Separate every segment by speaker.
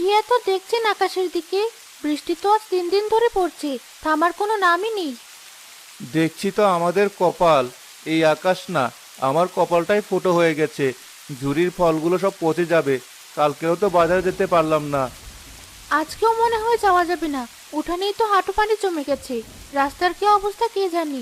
Speaker 1: এত দেখছেন আকাশের দিকে? বৃষ্টি তো আজ 3 দিন ধরে পড়ছে, থামার কোনো নামই নেই।
Speaker 2: দেখছি তো আমাদের কপাল, এই আকাশ না, আমার কপালটাই ফুটো হয়ে গেছে। ঝুরির ফলগুলো সব পচে যাবে, কালকেও তো বাজারে যেতে পারলাম না।
Speaker 1: আজকেও মনে হয় যাওয়া যাবে না, উঠানেই তো হাঁটু পানি জমে গেছে। রাস্তার কি অবস্থা কে জানি।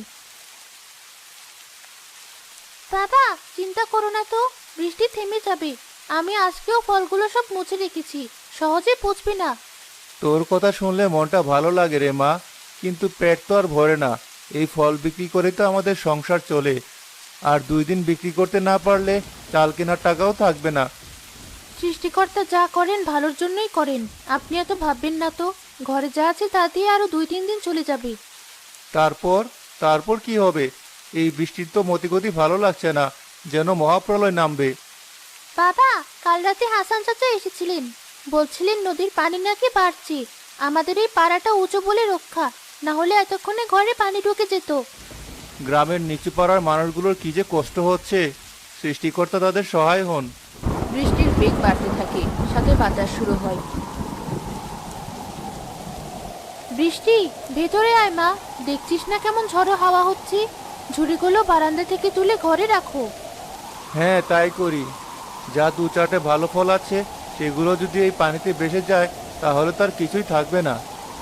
Speaker 1: বাবা, চিন্তা করো না তো, বৃষ্টি থেমে যাবে। আমি আজকেও ফলগুলো সব মুছে রেখেছি, সহজে পচবে না।
Speaker 2: তোর কথা শুনলে মনটা ভালো লাগে রে মা, কিন্তু পেট তো আর ভরে না। এই ফল বিক্রি করে তো আমাদের সংসার চলে, আর 2 দিন বিক্রি করতে না পারলে চাল কেনার টাকাও থাকবে না।
Speaker 1: সৃষ্টিকর্তা যা করেন ভালোর জন্যই করেন, আপনি এত ভাববেন না তো। ঘরে যা আছে তা দিয়ে আরো 2-3 দিন চলে যাবে।
Speaker 2: তারপর তারপর কি হবে? এই বৃষ্টির তো মতিগতি ভালো লাগছে না, যেন মহাপ্রলয় নামবে।
Speaker 1: বাবা, কাল রাতে হাসান চাচা এসেছিলেন, বলছিলেন নদীর পানি নাকি বাড়ছে। আমাদের এই পাড়াটা উঁচু বলে রক্ষা, না হলে এতক্ষণে ঘরে পানি ঢুকে যেত।
Speaker 2: গ্রামের নিচু পাড়ার মানুষগুলোর কি যে কষ্ট হচ্ছে, সৃষ্টিকর্তা তাদের সহায় হন।
Speaker 1: বৃষ্টির বেগ বাড়তে থাকে, সাথে বাতাস শুরু হয়। বৃষ্টি, ভেতরে আয় মা, দেখছিস না কেমন ঝড়ো হাওয়া হচ্ছে? ঝুড়িগুলো বারান্দা থেকে তুলে ঘরে রাখো।
Speaker 2: হ্যাঁ, তাই করি। যা 2-4টে ভালো ফল আছে, সেগুলো যদি এই পানিতে ভেসে যায়, তাহলে তার কিছুই থাকবে না।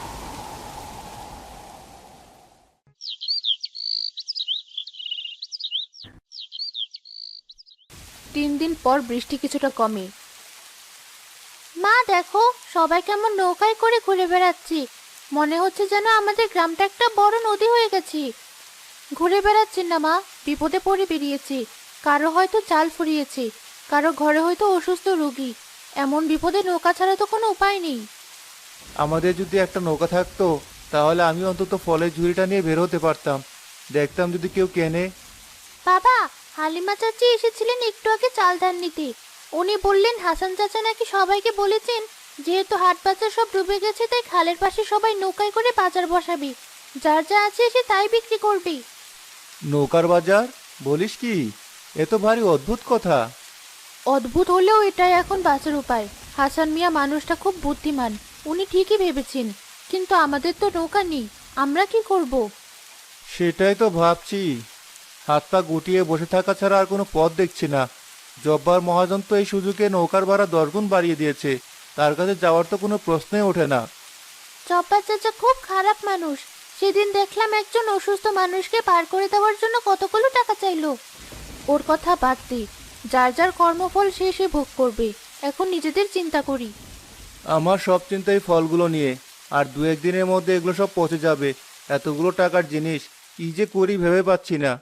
Speaker 1: 3 দিন পর বৃষ্টি কিছুটা কমে। মা দেখো, সবাই কেমন নৌকায় করে ঘুরে বেড়াচ্ছি। মনে হচ্ছে যেন আমাদের গ্রামটা একটা বড় নদী হয়ে গেছে। ঘুরে বেড়াচ্ছি না মা, বিপদে পড়ে বেরিয়েছি। কারো হয়তো চাল ফুরিয়েছে, কারো ঘরে হয়তো অসুস্থ রোগী। এমন বিপদে নৌকা ছাড়া তো কোনো উপায় নেই।
Speaker 2: আমাদের যদি একটা নৌকা থাকতো, তাহলে আমি অন্তত ফলের ঝুড়িটা নিয়ে বের হতে পারতাম। দেখতাম যদি কেউ কেনে।
Speaker 1: বাবা, হালিমা চাচি এসেছিলেন একটু আগে চাল ধান নিতে। উনি বললেন হাসান চাচা নাকি সবাইকে বলেছেন, যেহেতু হাট বাজার সব ডুবে গেছে তাই খালের পাশে সবাই নৌকায় করে বাজার বসাবে। যার যা আছে সে তাই বিক্রি করবে।
Speaker 2: নৌকার বাজার? বলিস কি? এ তো ভারী অদ্ভুত কথা।
Speaker 1: অদ্ভুত হলেও এটাই এখন বাঁচার উপায়। হাসান মিয়া মানুষটা খুব বুদ্ধিমান, উনি ঠিকই ভেবেছেন। কিন্তু আমাদের তো নৌকা নেই, আমরা কি করব?
Speaker 2: সেটাই তো ভাবছি। হাত পা গুটিয়ে বসে থাকা ছাড়া আর কোনো পথ দেখছি না। জব্বার মহাজন তো এই সুযোগে নৌকার ভাড়া 10 গুণ বাড়িয়ে দিয়েছে। তার কাছে যাওয়ার তো কোনো প্রশ্নই ওঠে না।
Speaker 1: চপ্পা চাচা খুব খারাপ মানুষ। সেদিন দেখলাম একজন অসুস্থ মানুষকে পার করে দেওয়ার জন্য কতগুলো টাকা চাইলো। ওর কথা বাদ দে, যার যার কর্মফল সে সে ভোগ করবে। এখন নিজেদের চিন্তা করি।
Speaker 2: আমার সব চিন্তাই ফলগুলো নিয়ে, আর 2-1 দিনের মধ্যে এগুলো সব পচে যাবে। এতগুলো টাকার জিনিস কি যে করি ভেবে পাচ্ছি না।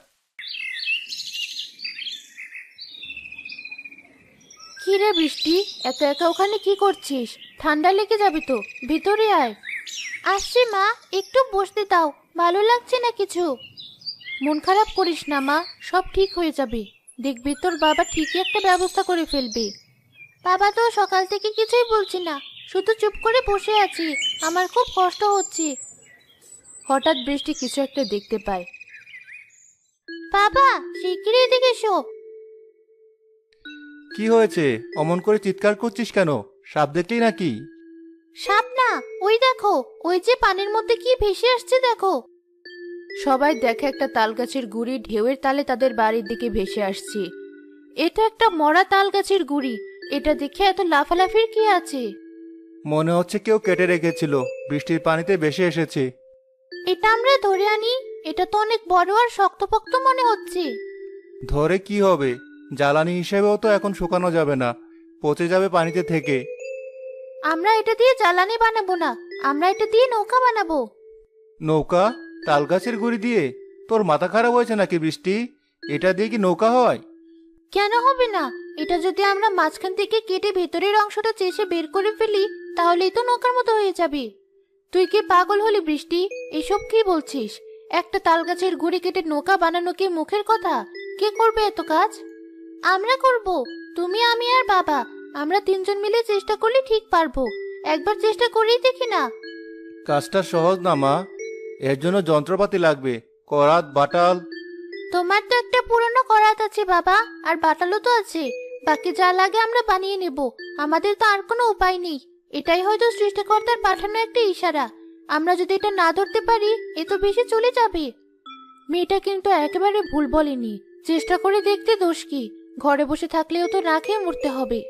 Speaker 1: কি রে বৃষ্টি, এত একা ওখানে কি করছিস? ঠান্ডা লেগে যাবে তো, ভিতরে আয়। আসছি মা, একটু বসতে দাও, ভালো লাগছে না কিছু। মন খারাপ করিস না মা, সব ঠিক হয়ে যাবে। দেখবি তোর বাবা ঠিকই একটা ব্যবস্থা করে ফেলবে। বাবা তো সকাল থেকে কিছুই বলছি না, শুধু চুপ করে বসে আছি। আমার খুব কষ্ট হচ্ছে। হঠাৎ বৃষ্টি কিছু একটা দেখতে পায়। বাবা, শিগগিরই এদিকে এসো।
Speaker 2: কি হয়েছে? অমন করে চিৎকার করছিস কেন? সাপ দেখলি নাকি?
Speaker 1: সাপ না, ওই দেখো, ওই যে পানির মধ্যে কি ভেসে আসছে দেখো। সবাই দেখে একটা তাল গাছের গুড়ি ঢেউয়ের তালে তাদের বাড়ির দিকে ভেসে আসছে। এটা একটা মরা তাল গাছের গুড়ি। এটা দেখে এত লাফালাফির কি আছে?
Speaker 2: মনে হচ্ছে কেউ কেটে রেখেছিল, বৃষ্টির পানিতে ভেসে এসেছে।
Speaker 1: এটা আমরা ধরে আনি। এটা তো অনেক বড় আর শক্তপোক্ত মনে হচ্ছে।
Speaker 2: ধরে কি হবে? জ্বালানি হিসেবেও তো এখন শুকানো যাবে না, পচে যাবে পানিতে থেকে।
Speaker 1: আমরা এটা দিয়ে জ্বালানি বানাবো না, আমরা এটা দিয়ে নৌকা বানাবো।
Speaker 2: নৌকা? তাল গাছের গুড়ি দিয়ে? তোর মাথা খারাপ হয়েছে নাকি বৃষ্টি? এটা দিয়ে কি নৌকা হয়?
Speaker 1: কেন হবে না? এটা যদি আমরা মাঝখান থেকে কেটে ভেতরের অংশটা চেষে বের করে ফেলি, তাহলেই তো নৌকার মতো হয়ে যাবে। তুই কি পাগল হলি বৃষ্টি? এসব কি বলছিস? একটা তাল গাছের গুড়ি কেটে নৌকা বানানো কি মুখের কথা? কে করবে এত কাজ? আমরা করব। তুমি, আমি আর বাবা। আমরা 3জন মিলে চেষ্টা করলে ঠিক পারবো। একবার চেষ্টা করেই দেখি না।
Speaker 2: কাজটা সহজ না মা, এর জন্য যন্ত্রপাতি লাগবে। করাত, বাটাল।
Speaker 1: তোমার তো একটা পুরনো করাত আছে বাবা, আর বাটালও তো আছে। বাকি যা লাগে আমরা বানিয়ে নেব। আমাদের তো আর কোনো উপায় নেই। এটাই হয়তো সৃষ্টিকর্তার পাঠানো একটা ইশারা। আমরা যদি এটা না ধরতে পারি, এ তো বেশি চলে যাবে। মেয়েটা কিন্তু একেবারে ভুল বলেনি। চেষ্টা করে দেখতে দোষ কি? ঘরে বসে থাকলেও তো না খেয়ে মরতে হবে।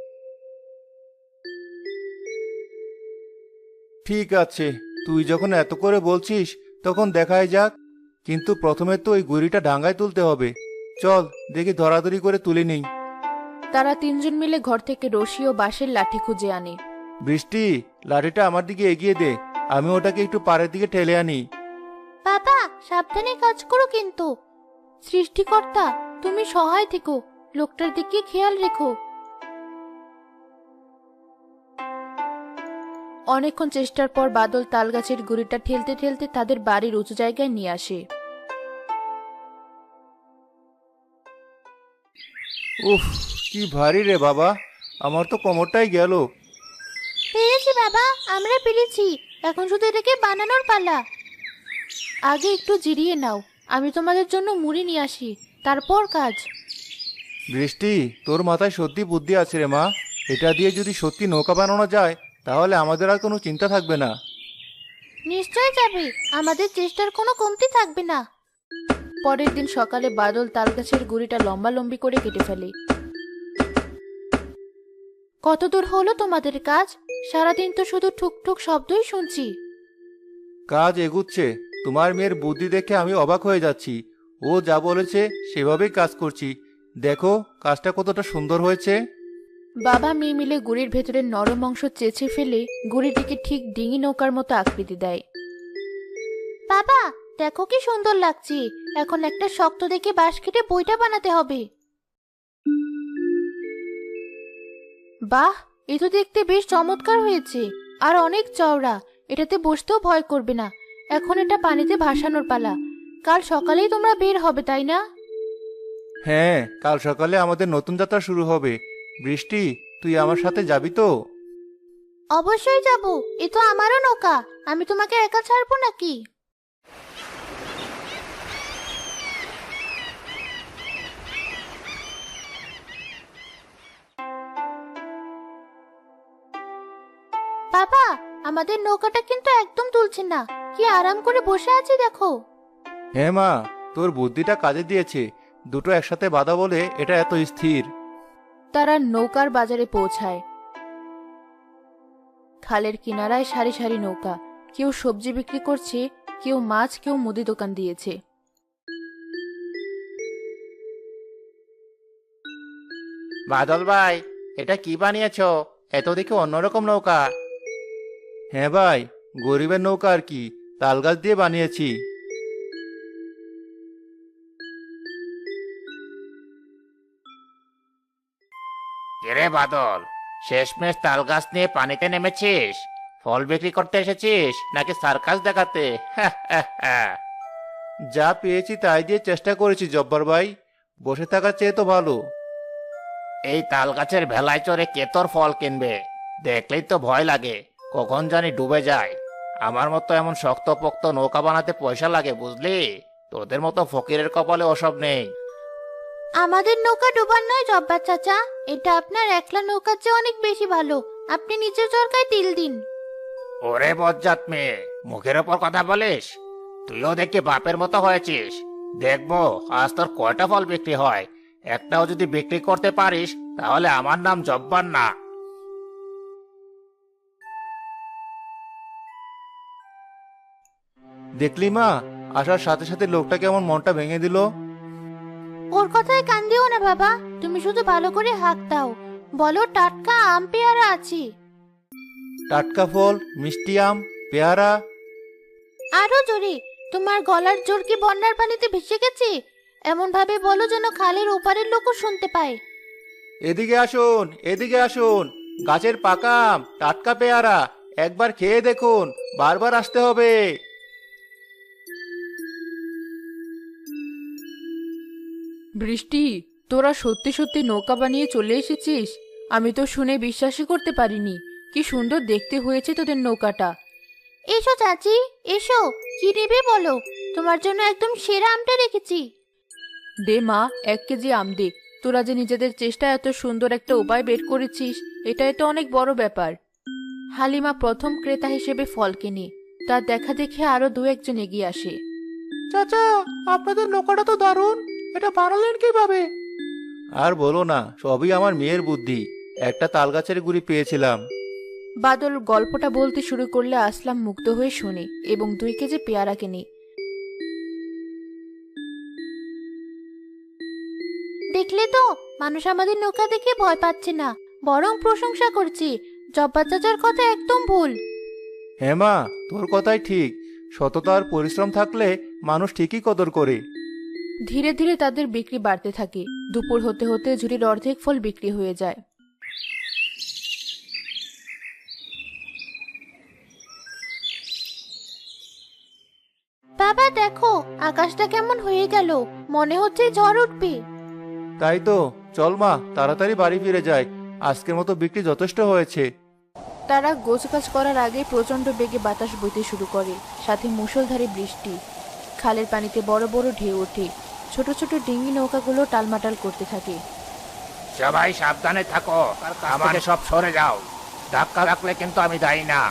Speaker 2: ঠিক আছে, তুই যখন এত করে বলছিস তখন দেখাই যাক। কিন্তু প্রথমে তো ওই গুড়িটা ডাঙায় তুলতে হবে। চল দেখি ধরাধরি করে তুলে নেই।
Speaker 1: তারা তিনজন মিলে ঘর থেকে রশি ও বাঁশের লাঠি খুঁজে আনে।
Speaker 2: বৃষ্টি, লাঠিটা আমার দিকে এগিয়ে দে, আমি ওটাকে একটু পাড়ের দিকে ঠেলে আনি।
Speaker 1: বাবা, সাবধানে কাজ করো কিন্তু। সৃষ্টিকর্তা, তুমি সহায় থেকো, লোকটার দিকে খেয়াল রেখো। অনেকক্ষণ চেষ্টার পর বাদল তালগাছের গুড়িটা ঠেলতে ঠেলতে তাদের বাড়ির উঁচু জায়গায় নিয়ে আসে।
Speaker 2: উফ, কি ভারী রে বাবা, আমার তো কোমরটাই গেল।
Speaker 1: পেরেছি বাবা, আমরা পেরেছি। এখন শুধু এটাকে বানানোর পালা। আগে একটু জিরিয়ে নাও, আমি তোমাদের জন্য মুড়ি নিয়ে আসি, তারপর কাজ।
Speaker 2: বৃষ্টি, তোর মাথায় সত্যি বুদ্ধি আছে রে মা। এটা দিয়ে যদি সত্যি নৌকা বানানো যায় তাহলে আমাদের আর কোনো চিন্তা থাকবে না।
Speaker 1: নিশ্চয় যাবে, আমাদের চেষ্টার কোনো কমতি থাকবে না। পরের দিন সকালে বাদল তালগাছের গুড়িটা লম্বালম্বি করে কেটে ফেলে। কত দূর হলো তোমাদের কাজ? সারাদিন তো শুধু ঠুকঠুক শব্দই শুনছি।
Speaker 2: কাজ এগুচ্ছে। তোমার মেয়ের বুদ্ধি দেখে আমি অবাক হয়ে যাচ্ছি। ও যা বলেছে সেভাবেই কাজ করছি। দেখো কাজটা কতটা সুন্দর হয়েছে।
Speaker 1: বাবা মেয়ে মিলে গুড়ির ভেতরের নরম অংশ চেঁচে ফেলে গুড়িটিকে ঠিক ডিঙি নৌকার মতো আকৃতি দেয়। বাবা, দেখো কি সুন্দর লাগছে। এখন একটা শক্ত দেখে বাঁশ কেটে বইটা বানাতে হবে। বাহ, এ তো দেখতে বেশ চমৎকার হয়েছে, আর অনেক চওড়া। এটাতে বসতেও ভয় করবে না। এখন এটা পানিতে ভাসানোর পালা। কাল সকালেই তোমরা বের হবে, তাই না?
Speaker 2: হ্যাঁ, কাল সকালে আমাদের নতুন যাত্রা শুরু হবে। বৃষ্টি, তুই আমার সাথে যাবি তো?
Speaker 1: অবশ্যই যাব, এ তো আমারও নৌকা। আমি তোমাকে একা ছাড়বো নাকি? বাবা, আমাদের নৌকাটা কিন্তু একদম তুলছে না। কি আরাম করে বসে আছি দেখো।
Speaker 2: হ্যাঁ মা, তোর বুদ্ধিটা কাজে দিয়েছে। দুটো একসাথে বাঁধা বলে এটা এত স্থির।
Speaker 1: তারা নৌকার বাজারে পৌঁছায়। খালের কিনারায় সারি সারি নৌকা। কেউ সবজি বিক্রি করছে, কেউ মাছ, কেউ মুদি দোকান দিয়েছে।
Speaker 2: বাদল ভাই, এটা কি বানিয়েছো? এত দেখে অন্যরকম নৌকা। হ্যাঁ ভাই, গরিবের নৌকা আর কি, তাল গাছ দিয়ে বানিয়েছি।
Speaker 3: কিরে বাদল, শেষমেশ তাল গাছ নিয়ে পানিতে নেমেছিস? ফল বিক্রি করতে এসেছিস নাকি সার্কাস দেখাতে?
Speaker 2: যা পেয়েছি তাই দিয়ে চেষ্টা করেছি জব্বার ভাই। বসে থাকার চেয়ে তো ভালো।
Speaker 3: এই তাল গাছের ভেলায় চড়ে কে তোর ফল কিনবে? দেখলেই তো ভয় লাগে, কখন জানি ডুবে যায়। আমার মতো এমন শক্তপোক্ত নৌকা বানাতে পয়সা লাগে বুঝলি। তোদের মতো ফকিরের কপালে ওসব নেই।
Speaker 1: আমাদের নৌকা ডোবার নয় জব্বার চাচা, এটা আপনার একলা নৌকার চেয়ে অনেক বেশি ভালো। আপনি নিচের চরকায় তিল দিন।
Speaker 3: ওরে বজ্জাত মেয়ে, মুখের ওপর কথা বলিস? তুইও দেখি বাপের মতো হয়েছিস। দেখবো আজ তোর কয়টা ফল বিক্রি হয়। একটাও যদি বিক্রি করতে পারিস তাহলে আমার নাম জব্বার না।
Speaker 2: দেখলি মা, আসার সাথে সাথে লোকটা কেমন মনটা ভেঙে দিল।
Speaker 1: ওর কথায় কান দিও না বাবা, তুমি শুধু ভালো করে হাঁক দাও। বলো টাটকা আম পেয়ারা আছে।
Speaker 2: টাটকা ফল, মিষ্টি আম, পেয়ারা।
Speaker 1: আরো জোরে। তোমার গলার জোর কি বন্যার পানিতে ভেসে গেছে? এমন ভাবে বলো যেন খালের ওপারের লোকও শুনতে পায়।
Speaker 2: এদিকে আসুন, এদিকে আসুন। গাছের পাকা আম, টাটকা পেয়ারা, একবার খেয়ে দেখুন, বারবার আসতে হবে।
Speaker 1: বৃষ্টি, তোরা সত্যি সত্যি নৌকা বানিয়ে চলে এসেছিস? আমি তো শুনে বিশ্বাসই করতে পারিনি। কি সুন্দর দেখতে হয়েছে তোদের নৌকাটা। এসো চাচি, এসো। কি নেবে বলো, তোমার জন্য একদম সেরা আমটা রেখেছি। দে মা, 1 কেজি আম দে। তোরা যে নিজেদের চেষ্টায় এত সুন্দর একটা উপায় বের করেছিস, এটাই তো অনেক বড় ব্যাপার। হালিমা প্রথম ক্রেতা হিসেবে ফল কেনে। তার দেখা দেখে আরো দু একজন এগিয়ে আসে।
Speaker 2: চাচা, আপনাদের নৌকাটা তো দারুণ, এটা বানালেন কিভাবে? আর বলো না, সবই আমার মেয়ের বুদ্ধি। একটা তাল গাছের গুড়ি পেয়েছিলাম।
Speaker 1: বাদল গল্পটা বলতে শুরু করলে আসলাম মুগ্ধ হয়ে শোনে এবং 2 কেজি পেয়ারা কেনে। দেখলে তো, মানুষ আমাদের নৌকা দেখে ভয় পাচ্ছে না, বরং প্রশংসা করছে। জব্বার চাচার কথা একদম ভুল।
Speaker 2: হ্যাঁ মা, তোর কথাই ঠিক। সততা আর পরিশ্রম থাকলে মানুষ ঠিকই কদর করে।
Speaker 1: ধীরে ধীরে তাদের বিক্রি বাড়তে থাকে। দুপুর হতে হতে ঝুড়ির অর্ধেক ফল বিক্রি হয়ে যায়। বাবা দেখো, আকাশটা কেমন হয়ে গেল, মনে হচ্ছে ঝড় উঠবে।
Speaker 2: তাই তো, চল মা, তাড়াতাড়ি বাড়ি ফিরে যাই। আজকের মতো বিক্রি যথেষ্ট হয়েছে।
Speaker 1: তারা গোছগাছ করার আগে প্রচন্ড বেগে বাতাস বইতে শুরু করে, সাথে মুষলধারে বৃষ্টি। খালের পানিতে বড় বড় ঢেউ ওঠে। ছোট ছোট ডিঙি নৌকাগুলো টালমাটাল করতে থাকে।
Speaker 3: সবাই সাবধানে থাকো, আমার সব সরে যাও। ধাক্কা রাখলে কিন্তু আমি দায়ী না।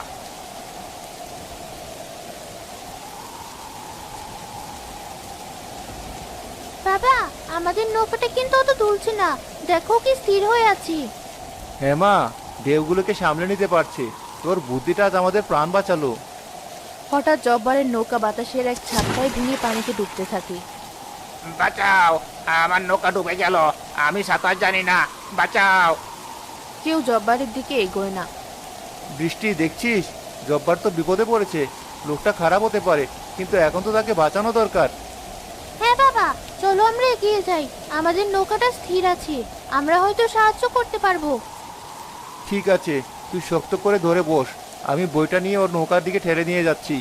Speaker 1: বাবা, আমাদের নৌকাটা কিন্তু অত দুলছে না, দেখো কি স্থির হয়ে আছি।
Speaker 2: হ্যাঁ মা, ঢেউগুলোকে সামলে নিতে পারছে। তোর বুদ্ধিটা আজ আমাদের প্রাণ বাঁচালো।
Speaker 1: হঠাৎ জব্বারের নৌকা বাতাসের এক ঝাপটায় ভেঙে পানিতে ডুবতে থাকে।
Speaker 3: বাঁচাও, আমার নৌকা ডুবে গেল। আমি সাঁতার জানি না, বাঁচাও।
Speaker 1: কেউ জব্বারের দিকে এগোয় না।
Speaker 2: বৃষ্টি, দেখছিস, জব্বার তো বিপদে পড়েছে। লোকটা খারাপ হতে পারে, কিন্তু এখন তো তাকে বাঁচানো দরকার।
Speaker 1: হ্যাঁ বাবা, চলো আমরা এগিয়ে যাই। আমাদের নৌকাটা স্থির আছে, আমরা হয়তো সাহায্য করতে পারবো।
Speaker 2: ঠিক আছে, তুই শক্ত করে ধরে বস। আমি বইটা নিয়ে ওর নৌকার দিকে ঠেলে নিয়ে যাচ্ছি।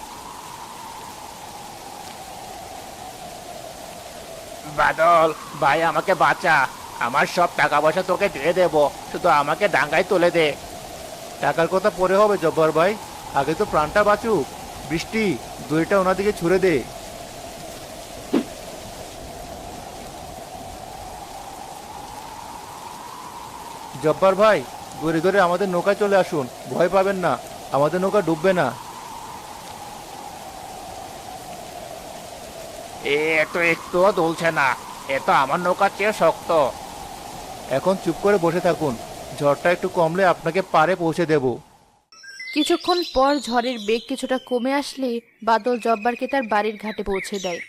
Speaker 3: বাদল ভাই, আমাকে বাঁচা। আমার সব টাকা পয়সা তোকে দিয়ে দেবো, শুধু আমাকে ডাঙ্গায় তুলে দে।
Speaker 2: টাকার কথা পরে হবে জব্বার ভাই, আগে তো প্রাণটা বাঁচুক। বৃষ্টি, দড়িটা ওনার দিকে ছুড়ে দে। জব্বার ভাই, ধরে ধরে আমাদের নৌকায় চলে আসুন, ভয় পাবেন না, আমাদের নৌকা ডুববে না।
Speaker 3: এ তো একটুও দুলছে না, এ তো আমার নৌকার চেয়ে শক্ত।
Speaker 2: এখন চুপ করে বসে থাকুন, ঝড়টা একটু কমলে আপনাকে পারে পৌঁছে দেব।
Speaker 1: কিছুক্ষণ পর ঝড়ের বেগ কিছুটা কমে আসলে বাদল জব্বারকে তার বাড়ির ঘাটে পৌঁছে দেয়।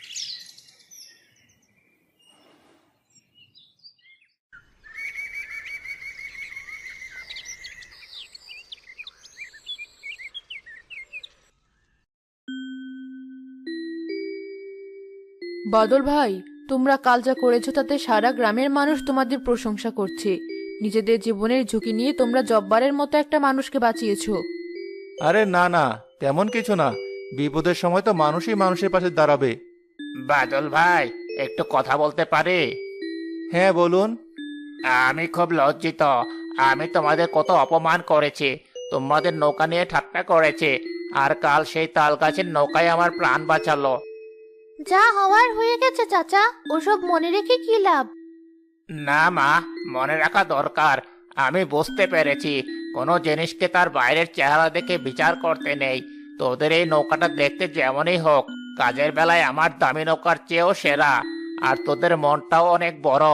Speaker 1: বাদল ভাই, তোমরা কাল যা করেছো তাতে সারা গ্রামের মানুষ তোমাদের প্রশংসা করছে। নিজেদের জীবনের ঝুঁকি নিয়ে তোমরা জব্বারের মতো একটা মানুষকে বাঁচিয়েছো।
Speaker 2: আরে না না, তেমন কিছু না। বিপদের সময় তো মানুষই মানুষের পাশে দাঁড়াবে।
Speaker 3: বাদল ভাই, একটু কথা বলতে পারি?
Speaker 2: হ্যাঁ বলুন।
Speaker 3: আমি খুব লজ্জিত। আমি তোমাদের কত অপমান করেছি, তোমাদের নৌকা নিয়ে ঠাট্টা করেছে, আর কাল সেই তাল গাছের নৌকায় আমার প্রাণ বাঁচালো।
Speaker 1: যা হওয়ার হয়ে গেছে চাচা, ওসব মনে রেখে কি লাভ।
Speaker 3: না মা, মনে রাখা দরকার। আমি বুঝতে পেরেছি কোনো জিনিসকে তার বাইরের চেহারা দেখে বিচার করতে নেই। তোদের এই নৌকাটা দেখতে যেমনই হোক, কাজের বেলায় আমার দামি নৌকার চেয়েও সেরা। আর তোদের মনটাও অনেক বড়।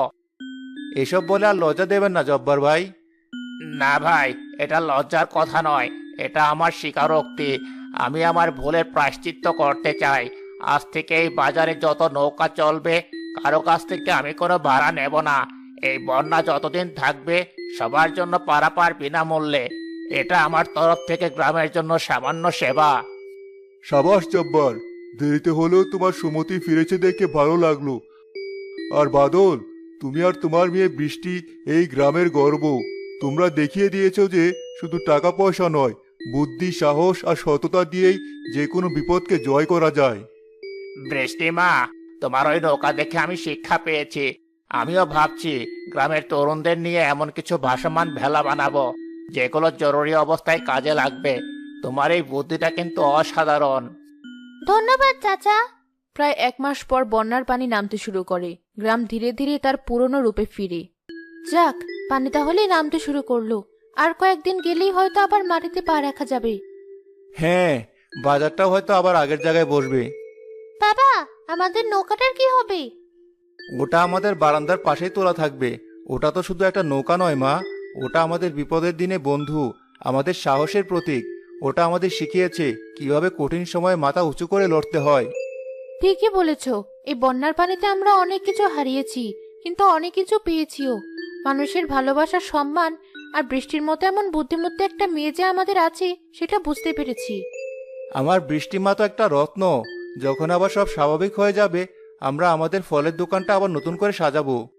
Speaker 2: এসব বলে আর লজ্জা দেবেন না জব্বার ভাই।
Speaker 3: না ভাই, এটা লজ্জার কথা নয়, এটা আমার স্বীকারোক্তি। আমি আমার ভুলের প্রায়শ্চিত্ত করতে চাই। আজ থেকে এই বাজারে যত নৌকা চলবে, কারো কাছ থেকে আমি কোনো ভাড়া নেব না। এই বন্যা যতদিন থাকবে, সবার জন্য পারাপার বিনামূল্যে। এটা আমার তরফ থেকে গ্রামের জন্য সামান্য সেবা।
Speaker 2: সাবাস জব্বার, দেরিতে হলেও তোমার সুমতি ফিরেছে দেখে ভালো লাগলো। আর বাদল, তুমি আর তোমার মেয়ে বৃষ্টি এই গ্রামের গর্ব। তোমরা দেখিয়ে দিয়েছো যে শুধু টাকা পয়সা নয়, বুদ্ধি, সাহস আর সততা দিয়েই যে কোনো বিপদকে জয় করা যায়।
Speaker 3: বৃষ্টিমা, তোমার ওই নৌকা দেখে আমি শিক্ষা পেয়েছি। আমিও ভাবছি গ্রামের তরুণদের নিয়ে এমন কিছু ভাসমান ভেলা বানাবো, যেগুলো জরুরি অবস্থায় কাজে লাগবে। তোমার এই বুদ্ধিটা কিন্তু অসাধারণ।
Speaker 1: ধন্যবাদ চাচা। প্রায় 1 মাস পর বন্যার পানি নামতে শুরু করে। গ্রাম ধীরে ধীরে তার পুরনো রূপে ফিরে। যাক, পানি তাহলে নামতে শুরু করলো। আর কয়েকদিন গেলেই হয়তো আবার মাটিতে পা রাখা যাবে।
Speaker 2: হ্যাঁ, বাজারটাও হয়তো আবার আগের জায়গায় বসবে।
Speaker 1: বাবা, আমাদের নৌকাটার কি হবে?
Speaker 2: ওটা আমাদের বারান্দার পাশেই তোলা থাকবে। ওটা তো শুধু একটা নৌকা নয় মা, ওটা আমাদের বিপদের দিনে বন্ধু, আমাদের সাহসের প্রতীক। ওটা আমাদের শিখিয়েছে কিভাবে কঠিন সময়ে মাথা উঁচু করে লড়তে হয়।
Speaker 1: ঠিকই বলেছো। এই বন্যার পানিতে আমরা অনেক কিছু হারিয়েছি, কিন্তু অনেক কিছু পেয়েছিও। মানুষের ভালোবাসা, সম্মান আর বৃষ্টির মতো এমন বুদ্ধিমতী একটা মেয়ে যে আমাদের আছে, সেটা বুঝতে পেরেছি।
Speaker 2: আমার বৃষ্টিমা তো একটা রত্ন। যখন আবার সব স্বাভাবিক হয়ে যাবে, আমরা আমাদের ফলের দোকানটা আবার নতুন করে সাজাবো।